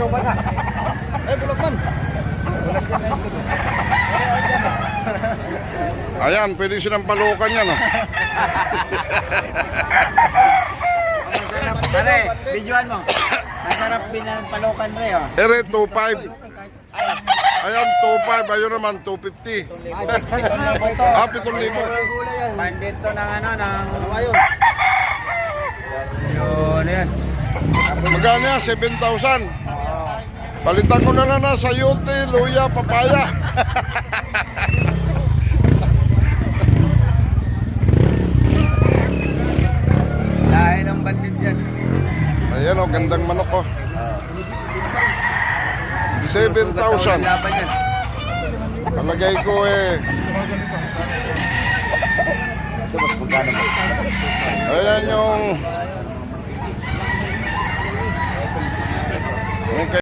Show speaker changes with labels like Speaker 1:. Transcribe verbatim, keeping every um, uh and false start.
Speaker 1: Bulok na. Eh, bulok man.
Speaker 2: Ayan, pwede silang palukan yan, oh.
Speaker 1: Pare, videoan mo. Masarap pinapalokan re, oh.
Speaker 2: Ere, two five. Ayan, two five. Ayun naman, two fifty. Ah, pitong libo.
Speaker 1: Bandit to ng ano, ng ayun. Yun, yan.
Speaker 2: Magkano yan? seven thousand. Palitan ko na lang na sayote, luya, papaya.
Speaker 1: Lahat ng bandit yan.
Speaker 2: Ayan, oh, gandang manok, oh. seven thousand.
Speaker 1: Laban yan.
Speaker 2: Palagay ko, eh.
Speaker 1: Ito, mas magkano mo?
Speaker 2: Ayan yung